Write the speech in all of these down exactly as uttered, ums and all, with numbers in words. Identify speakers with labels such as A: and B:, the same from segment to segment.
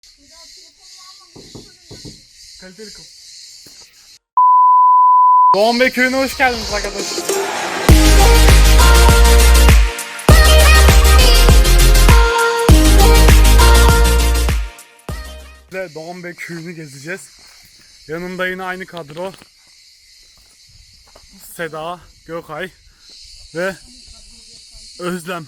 A: Kaliteli kum. Doğan Bey köyüne hoş geldiniz arkadaşlar. Doğan Bey köyünü gezeceğiz. Yanımda yine aynı kadro. Seda, Gökay ve Özlem.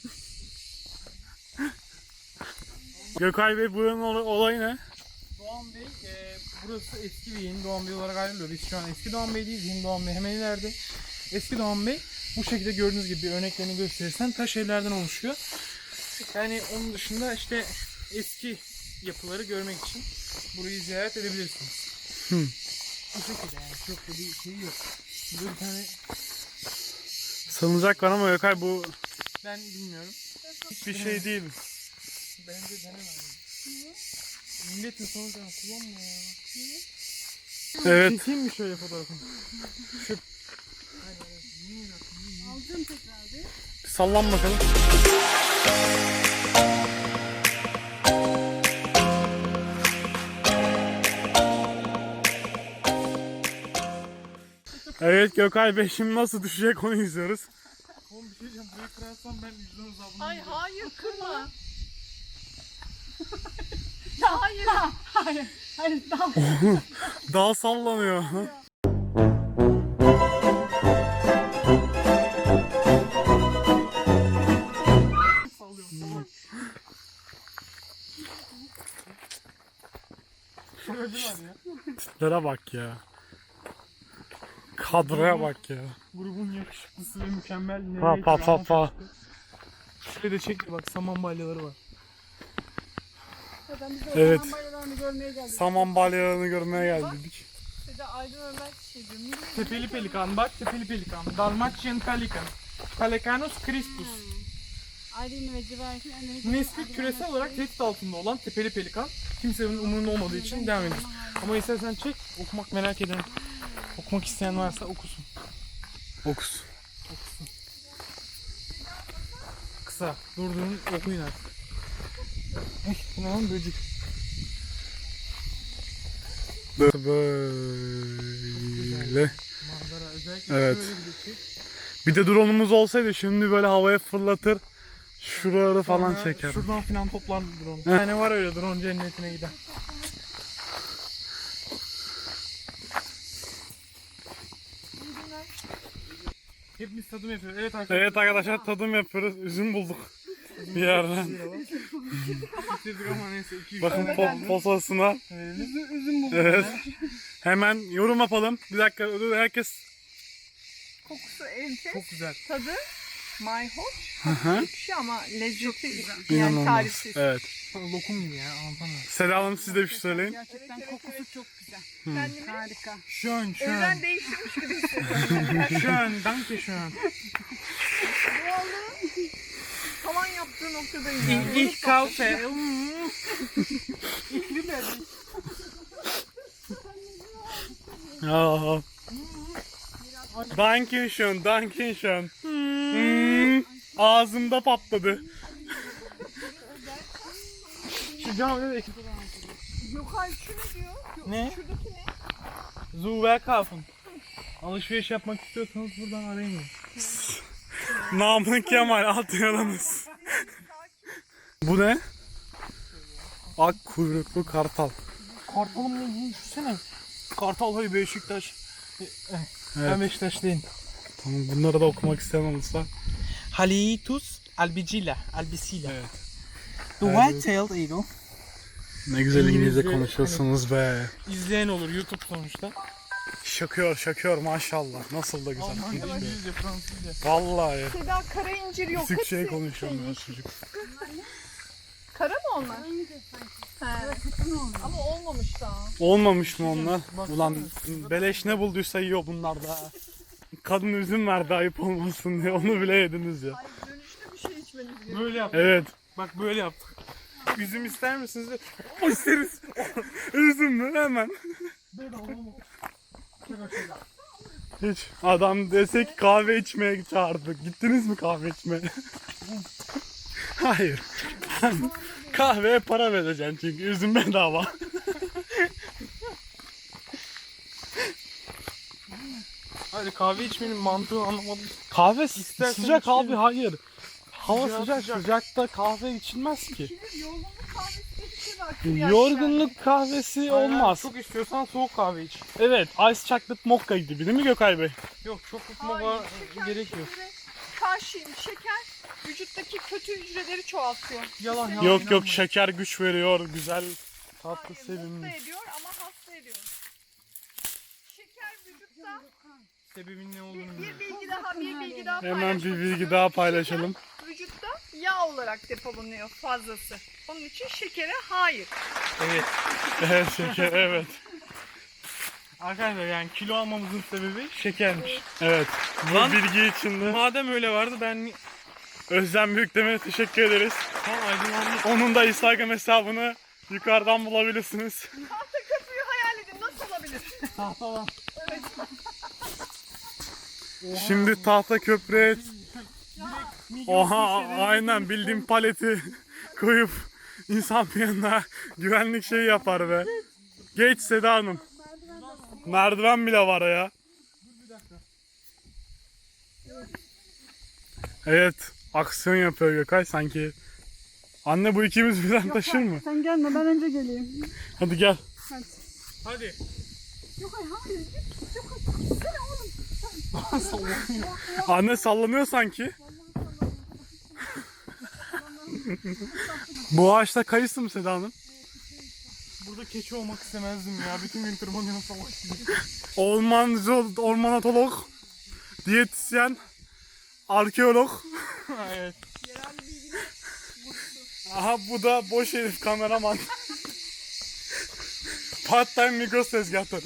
A: Gökay Bey, buranın olayı ne?
B: Doğan Bey, e, burası eski ve yeni Doğan Bey olarak ayrılıyor. Biz şu an eski Doğan Bey'deyiz, yeni Doğan Bey hemen ileride. Eski Doğan Bey bu şekilde gördüğünüz gibi örneklerini gösterirsen taş evlerden oluşuyor. Yani onun dışında işte eski yapıları görmek için burayı ziyaret edebilirsiniz.
A: Hı.
B: Bu şekilde yani çok da bir şey yok. Burada bir tane
A: sanılacak var ama Gökay bu
B: ben bilmiyorum.
A: hiçbir şey değil.
B: Bence deneme. Milletin sonucu kullanma ya.
A: Evet.
B: Çekeyim mi şöyle fotoğrafını? Şu...
C: Alacağım tekrar bir.
A: Bir sallan bakalım. Evet Gökay Bey, şimdi nasıl düşecek onu izliyoruz.
B: Oğlum bir şey diyeceğim, burayı kırarsam ben yüzden uzabını
C: Ay
B: yiyeceğim.
C: hayır kırma. Ya hayır. Hayır. Hayır daha.
A: Dağ sallanıyor.
B: Şöyle var ya.
A: Tiplere bak ya. Kadroya bak ya.
B: Grubun yakışıklısı ve mükemmel.
A: Pa pa pa pa.
B: Şöyle de çek bak, saman balyaları var.
C: Ben bize
A: Evet.
C: evet. Bayralarını görmeye geldik.
A: Saman balyalarını görmeye geldik.
C: Bir de Aydın Ömer şey diyor.
B: Tepeli pelikan bak, tepeli pelikan. Dalmatian pelikan. Pelicanus crispus.
C: Aydın ve Civerkin.
B: Nesli küresel olarak tehdit altında olan tepeli pelikan. Kimsenin umurunda olmadığı için devam ediyoruz. Ama istersen çek, okumak merak eden, okumak isteyen varsa okusun.
A: Okus.
B: Okusun. Kısa, durdurun, okuyun artık. Eh, bu ne lan, böcek.
A: Böyle.
B: Manzara özellikle
A: Evet.
B: şöyle bir şey.
A: Bir de drone'umuz olsaydı şimdi böyle havaya fırlatır. Şuraları falan
B: Sonra
A: çeker.
B: Şuradan filan toplar drone. Bir tane var öyle drone cennetine giden. Hepimiz tadım yapıyoruz. Evet arkadaşlar.
A: Evet arkadaşlar, tadım yapıyoruz. Üzüm bulduk bir yerden.
B: Bitirdik ama neyse. iki üç
A: Bakın
B: tane
A: po posasına.
B: verelim. Üzüm, üzüm bulduk.
A: Evet. Hemen yorum yapalım. Bir dakika, herkes.
C: Kokusu enfes.
B: Çok güzel.
C: Tadı mayhoş.
A: Hı hı.
C: Ekşi ama lezzeti yani
A: İnanılmaz.
C: tarifsiz.
A: Evet.
B: Lokum gibi ya, anlatamıyorum.
A: Seda Hanım, siz de bir şey söyleyin.
C: Gerçekten kokusu çok güzel.
A: Hı.
C: Kendimi harika.
B: Schön, schön.
C: Evren değiştirmiş gibi hissediyorum.
B: Schön, danke schön.
C: Doğallığı tavan yaptığı noktadayım yani.
B: Ich, ich kaufe. Mm. Ich liebe dich.
A: Aa. Dankeschön, Dankeschön. Hmm. Ağzımda patladı.
B: Şu camide de
C: Yok hayır şu ne diyor? Yok,
B: Ne?
C: şuradaki ne?
B: Zuber kaufen. Alışveriş yapmak istiyorsanız buradan arayın.
A: Namık Kemal, atlayalımız. Bu ne? Ak kuyruklu kartal.
B: Kartalım ne ilgili düşünsene. Kartal hayır Beşiktaş. E, e,
A: Evet.
B: Ben Beşiktaşlıyım.
A: Tamam, bunları da okumak isteyen olursa.
B: Halitus albicilla, albicilla.
A: Evet.
B: The white-tailed eagle.
A: Ne güzel İngilizce
B: İngilizce
A: konuşuyorsunuz be.
B: İzleyen olur YouTube sonuçta.
A: Şakıyor şakıyor maşallah. Nasıl da güzel.
B: Almanca, İngilizce, Fransızca.
A: Vallahi.
C: Seda kara incir yok.
A: Türkçe
C: Hepsi
A: konuşuyorum
C: şey.
A: ya çocuk.
C: Kara mı onlar? He. Ama olmamış daha.
A: Olmamış mı onlar?
B: Bak-
A: Ulan beleş ne bulduysa yiyor bunlar da. Kadın üzüm verdi ayıp olmasın diye, onu bile yediniz ya.
C: Ay dönüşte bir şey içmeniz gerekiyor.
B: Böyle yaptık.
A: Evet.
B: Bak böyle yaptık. Üzüm ister misiniz? de-
A: O isteriz. Üzüm mü? Hemen. Hiç. Adam dese ki kahve içmeye çağırdık. Gittiniz mi kahve içmeye? Hayır. Kahveye para vereceksin çünkü üzüm bedava.
B: Hadi kahve içmenin mantığını anlamadım.
A: Kahve
B: İstersen
A: sıcak
B: içelim.
A: abi hayır. Hava
B: Sıcak,
A: sıcak,
B: sıcak.
A: sıcakta kahve içilmez ki.
C: Kilir yorgunluk kahvesi diye bir şey var. kıryaç
A: Yorgunluk kahvesi olmaz.
B: Çok istiyorsan soğuk kahve iç.
A: Evet, ice chocolate mocha gibi değil mi Gökay Bey?
B: Yok çok
C: yani.
B: tutmama
C: Hayır, şeker
B: gerekiyor.
C: şekere karşıyım. Şeker vücuttaki kötü hücreleri çoğaltıyor.
B: Yalan yalan.
A: Yok yok
B: inanma.
A: şeker güç veriyor, güzel, tatlı,
C: Hayır,
A: sevimli.
C: mutlu ediyor ama hasta ediyor. Şeker vücutta
B: Sebebin ne
C: bir,
B: olduğunu
C: bir
B: bilmiyorum.
C: bilgi daha bir bilgi daha
A: Hemen
C: paylaşmak
A: bir bilgi
C: istiyorum.
A: daha paylaşalım.
C: Şeker vücutta yağ olarak depolanıyor fazlası. Onun için şekere hayır.
B: Evet.
A: Evet şeker, evet.
B: Arkadaşlar yani kilo almamızın sebebi şekermiş.
A: Evet, bu
B: Lan-
A: bilgi için de
B: Madem öyle vardı ben
A: Özlem Büyükdemir'e teşekkür ederiz.
B: tam aydınlandım.
A: Onun da Instagram hesabını yukarıdan bulabilirsiniz.
C: Tahta köprüyü hayal edin nasıl olabilir?
B: Tahta var.
C: Evet.
A: Şimdi tahta köprüye, oha aynen bildiğim paleti koyup insan bir yanına güvenlik şeyi yapar be. Geç Seda Hanım. Merdiven bile var ya. Evet, aksiyon yapıyor Gökay sanki. Anne bu ikimiz birden taşır mı?
D: Sen gelme ben önce geleyim.
A: Hadi gel.
B: Hadi.
D: Yok hayır hayır. Yok hayır. Gitsene oğlum.
A: Anne sallanıyor sanki. Bu ağaçta kayısı mı Seda Hanım?
B: Burada keçi olmak istemezdim ya. Bütün gün tırmanıyorum salak gibi.
A: Ormancı, ormanatolog, diyetisyen, arkeolog.
B: Evet.
A: Aha bu da boş herif kameraman. Part time Migros tezgahları.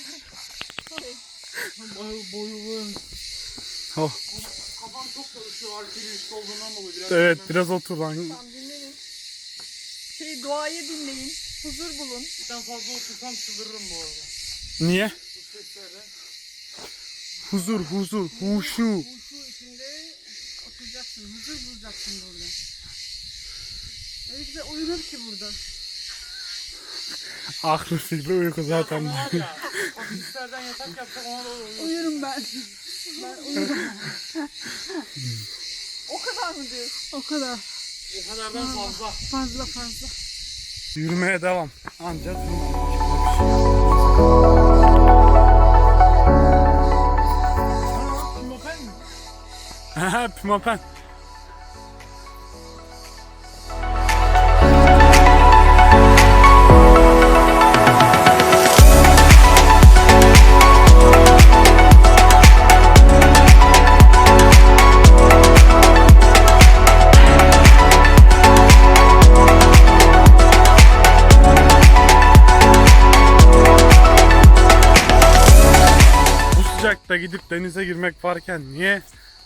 B: Boyu
A: Oh.
B: Kafam çok çalışıyor arkeolojik olduğundan dolayı biraz.
A: Evet biraz otur lan.
C: Tamam dinleyin. Şey doğayı dinleyin. Huzur bulun.
B: Ben fazla otursam çıldırırım bu arada.
A: Niye?
B: Bu seslerden.
A: Huzur, huzur, huşu.
D: Şu içinde oturacaksın. Huzur bulacaksın burada. Öyle güzel uyunur ki burada.
A: Aklı fikri uyku zaten.
B: Ama var ya, o seslerden yatak yapsak ona da olur.
D: Uyurum ben. Ben uyurum.
C: O kadar mı diyorsun?
D: O kadar.
B: O kadardan fazla.
D: Fazla fazla.
A: Yürümeye devam. Ancak
B: Kim o ben mi?
A: Haha pimapen. Bu sıcakta gidip denize girmek varken niye?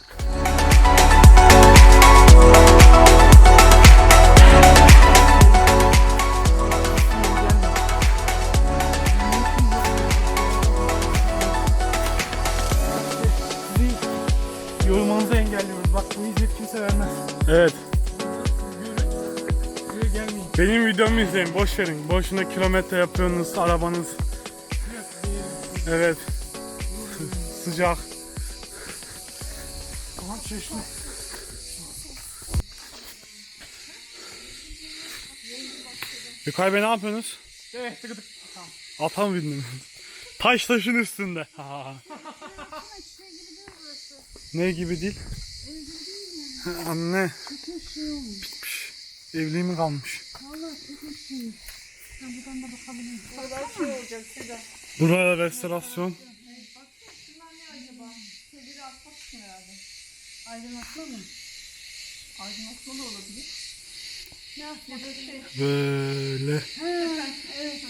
B: Sizi yorulmanızı engelliyoruz. Bak bu hizmet kimse vermez.
A: Evet.
B: Buraya gelmeyin.
A: Benim videomu izleyin. Boş verin. Boşuna kilometre yapıyorsunuz arabanız. Evet. Sıcak.
B: Tamam çeşme.
A: Gökay Bey ne yapıyorsunuz?
B: Evet tıkıdık. Tamam.
A: Ata mı bindiniz? Taş taşın üstünde. Ha. Ne gibi değil? Anne. Bitmiş. Evli mi kalmış?
C: O kadar şey olacak Seda.
A: Buraya restorasyon.
C: Şunlar ne acaba? Şeyleri atmak için herhalde.
D: Aydınlatma mı?
C: Aydınlatma da olabilir.
D: Ne yapayım?
C: Ya da şey.
A: Böyle
D: Ha, evet.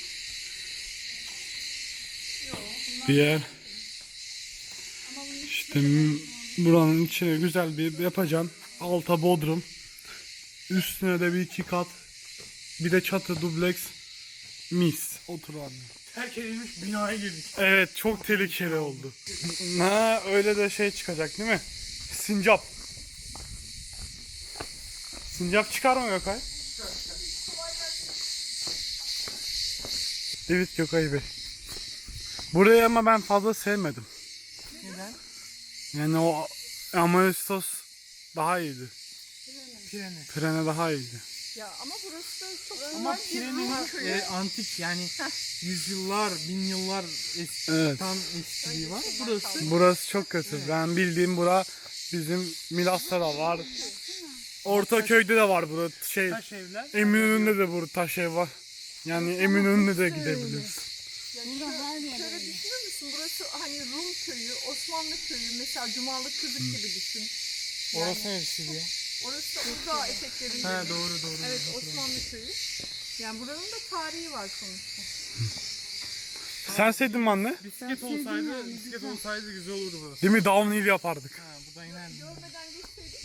C: Yok. Bunlar
A: bir yer.
C: ama bunun
A: İşte m- buranın içine güzel bir yapacaksın. Alta bodrum. Üstüne de bir iki kat. Bir de çatı dubleks. Mis. Otur anne.
B: Terk edilmiş binaya girdik.
A: Evet çok tehlikeli oldu. Ha öyle de şey çıkacak değil mi? Sincap. Sincap çıkar mı Gökay? Evet Gökay Bey. Burayı ama ben fazla sevmedim.
B: Neden?
A: Yani o Amaristos daha iyiydi.
B: Pirene.
A: Pirene daha iyiydi.
C: Ya ama burası da çok
B: Ama
C: güzel bir
B: Pirene'nin
C: Rum köyü.
B: e, antik yani yüzyıllar, bin yıllar eski,
A: Evet.
B: tam eskiliği var. Burası
A: Burası çok kötü. Ben bildiğim bura bizim Milas'ta da var. Ortaköy'de de var burada. Şey
B: taş evler.
A: Eminönü'nde de burada taş ev var. Yani Eminönü'ne de gidebiliriz.
C: Yani şöyle, şöyle düşünür müsün? Burası hani Rum köyü, Osmanlı köyü, mesela Cumalık Kızık gibi düşün.
B: Orası neresi diye.
C: Orası da Uludağ eteklerinde.
B: Ha doğru doğru.
C: Evet,
B: doğru.
C: Osmanlı köyü. Yani buranın da tarihi var sonuçta.
A: Sen sevdin mi anne?
B: Bisiklet olsaydı, bisiklet olsaydı güzel olurdu burası.
A: Değil mi? Downhill yapardık.
B: Ha buradan inerdim.
C: Görmeden geçseydik.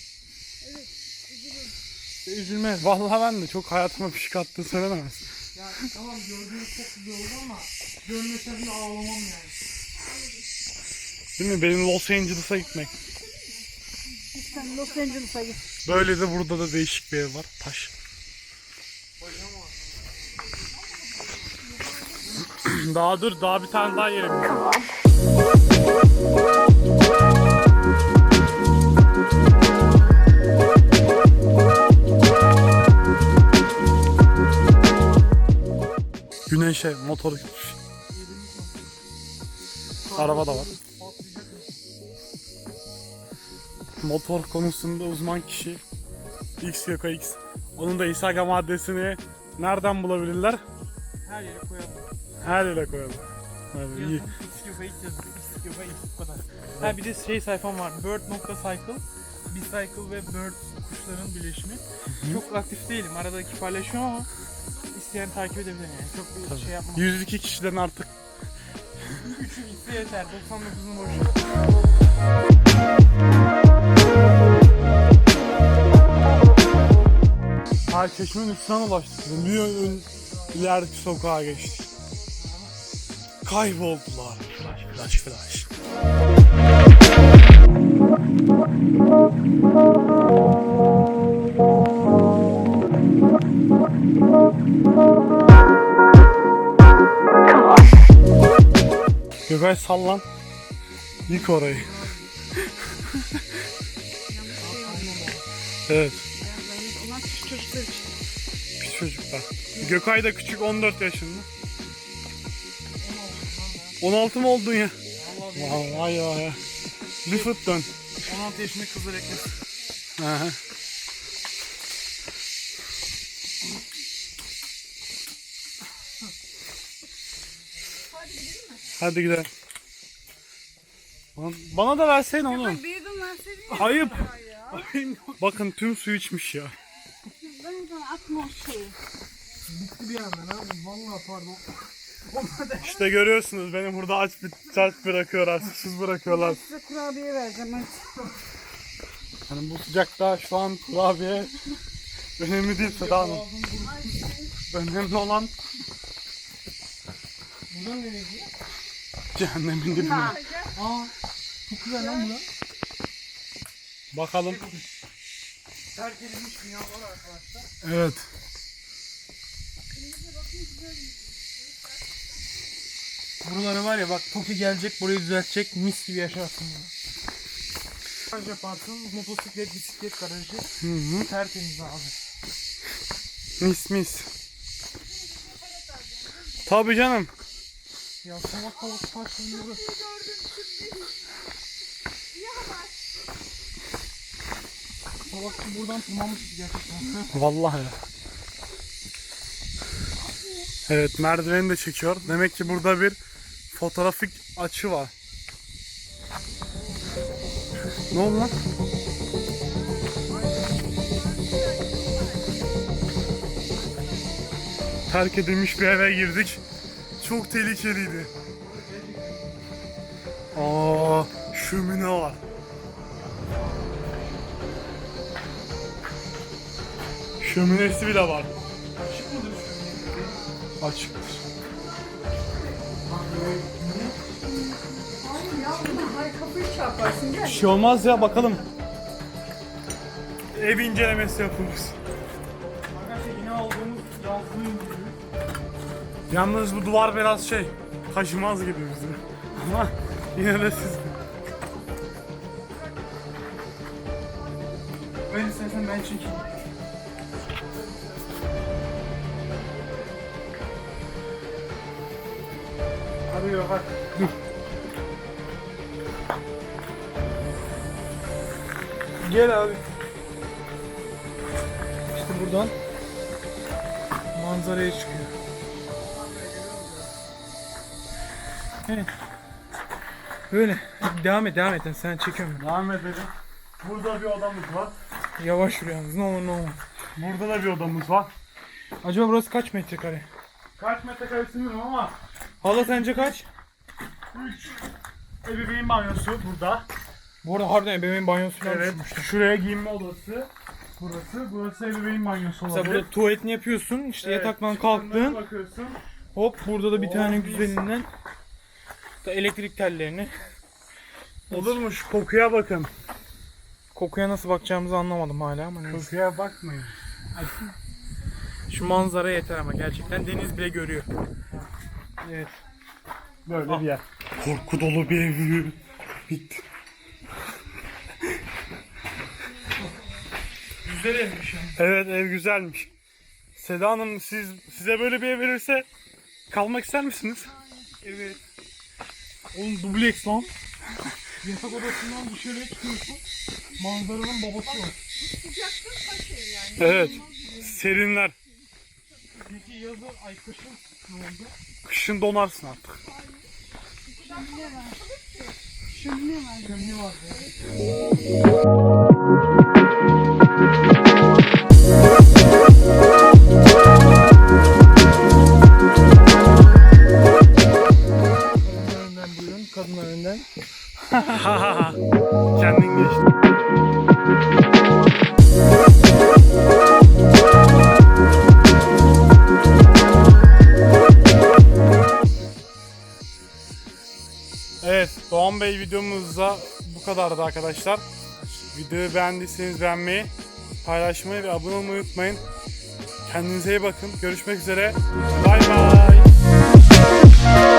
B: Üzülmez.
A: Vallahi ben de çok hayatıma bir şey kattığını söylenemez.
B: Ya tamam gördüğünüz çok güzel oldu ama görmesem de ağlamam yani.
A: Değil mi? Benim Los Angeles'a gitmek.
D: Sen Los Angeles'a git.
A: Böyle de burada da değişik bir ev var. Taş. Daha dur, daha bir tane daha yerimiz var. Güneşe motor gitmiş. Araba da var. Motor konusunda uzman kişi X Yoka X. Onun da Instagram adresini nereden bulabilirler?
B: Her yere koyalım.
A: Her yere koyalım. Hadi iyi.
B: Yazın X-Yoga ilk yazdık. X-Yoga ilk bu kadar. Ha bir de şey sayfam var. bird.cycle. Bicycle ve bird kuşların birleşimi. Çok aktif değilim. Aradaki paylaşıyorum ama isteyen takip edebilir yani. Çok bir şey yapmam.
A: yüz iki kişiden artık.
B: üçü gitse yeter. doksan dokuzun boşu.
A: Ay Çeşme'nin üstüne ulaştık. Bir ön ilerideki sokağa geçtik. Kayboldular. Flash flash flash. Göbek sallan. Yık orayı. Evet.
D: Onlar küçük çocuklar için.
A: Küçük çocuklar. Gökay da küçük, on dört yaşında. on altı mı oldun ya? Vay vay vay. Bir fıt dön.
B: on altı yaşında kızlar eklesin.
A: Aha. Hadi gidelim. Bana, bana da verseydin oğlum.
D: Bir yudum verseydin ya.
A: Ayıp. Bakın tüm suyu içmiş ya.
D: Ben oradan atma o şeyi.
B: Bitti bir yandan abi. Vallahi pardon.
A: İşte görüyorsunuz beni burada aç bir aç bırakıyorlar, susuz bırakıyorlar.
D: Size kurabiye vereceğim hadi.
A: Hani bu sıcakta şu an kurabiye önemli değil Seda Hanım. Önemli olan
B: Buradan nereye gidiyor?
A: cehennemin dibine.
B: Aa. Çok güzel lan bura.
A: Bakalım.
B: Terk edilmiş binalar arkadaşlar.
A: Evet.
B: Buraları var ya bak Toki gelecek burayı düzeltecek mis gibi yaşarsın bunu. Garaj yaparsın motosiklet bisiklet garajı
A: Hı hı.
B: tertemiz abi.
A: Mis mis. Tabii canım.
B: Ya salak salak parçaları. Salak ki buradan tırmanmışız gerçekten.
A: Vallahi ya. Evet merdiveni de çekiyor. Demek ki burada bir fotoğrafik açı var. Ne oldu lan? Terk edilmiş bir eve girdik. Çok tehlikeliydi. Aa, şömine var. Şöminesi bile var.
B: Açık mıdır şöyle?
A: Açıktır.
C: Ay kapıyı çarparsın gel.
A: Bir şey olmaz ya bakalım. Ev incelemesi yapıyoruz. Yalnız bu duvar biraz şey, taşımaz gibi bizi. Ama yine de siz...
B: Ben istersen ben çekeyim. Arıyor bak.
A: Dur.
B: Gel abi. İşte buradan manzaraya çıkıyor. Evet. Böyle. Devam et, devam et. Sen çekiyorum ben.
A: Devam edelim. Burada bir odamız var.
B: Yavaş yürü yalnız. Ne olur ne olur.
A: Burada da bir odamız var.
B: Acaba burası kaç metrekare?
A: Kaç metrekare bilmiyorum ama
B: Hala sence kaç?
A: üç ebeveyn banyosu burada.
B: Bu arada harbiden ebeveyn banyosu falan
A: Evet.
B: düşünmüşler.
A: Şuraya giyinme odası. Burası. Burası ebeveyn banyosu olabilir.
B: Mesela burada tuvaletini yapıyorsun, işte
A: Evet,
B: yataktan
A: çıkınlara
B: kalktın,
A: bakıyorsun.
B: hop burada da bir
A: Oh,
B: tane
A: mis.
B: güzelinden da elektrik tellerini.
A: Olurmuş. Kokuya bakın.
B: Kokuya nasıl bakacağımızı anlamadım hala ama neyse.
A: Kokuya bakmayın.
B: Şu manzara yeter ama gerçekten deniz bile görüyor. Evet.
A: Böyle bir yer. Korku dolu bir ev. Bitti.
B: Güzel evmiş yani.
A: Evet, ev güzelmiş. Seda Hanım, siz size böyle bir ev verirse kalmak ister misiniz?
B: Evet. Oğlum dubleks lan. Yatak odasından dışarıya çıkıyorsun. Manzaranın babası var.
C: Sıcakta taş ev yani.
A: Evet. Serinler.
B: Peki yazın ay kışın ne oldu?
A: Kışın donarsın artık.
D: Şömine var.
B: Kömür var. Kadınlar önden buyurun. Kadınlar önden.
A: Kendin geçti. Evet, Doğan Bey videomuzda bu kadardı arkadaşlar. Videoyu beğendiyseniz beğenmeyi, paylaşmayı ve abone olmayı unutmayın. Kendinize iyi bakın. Görüşmek üzere. Bay bay.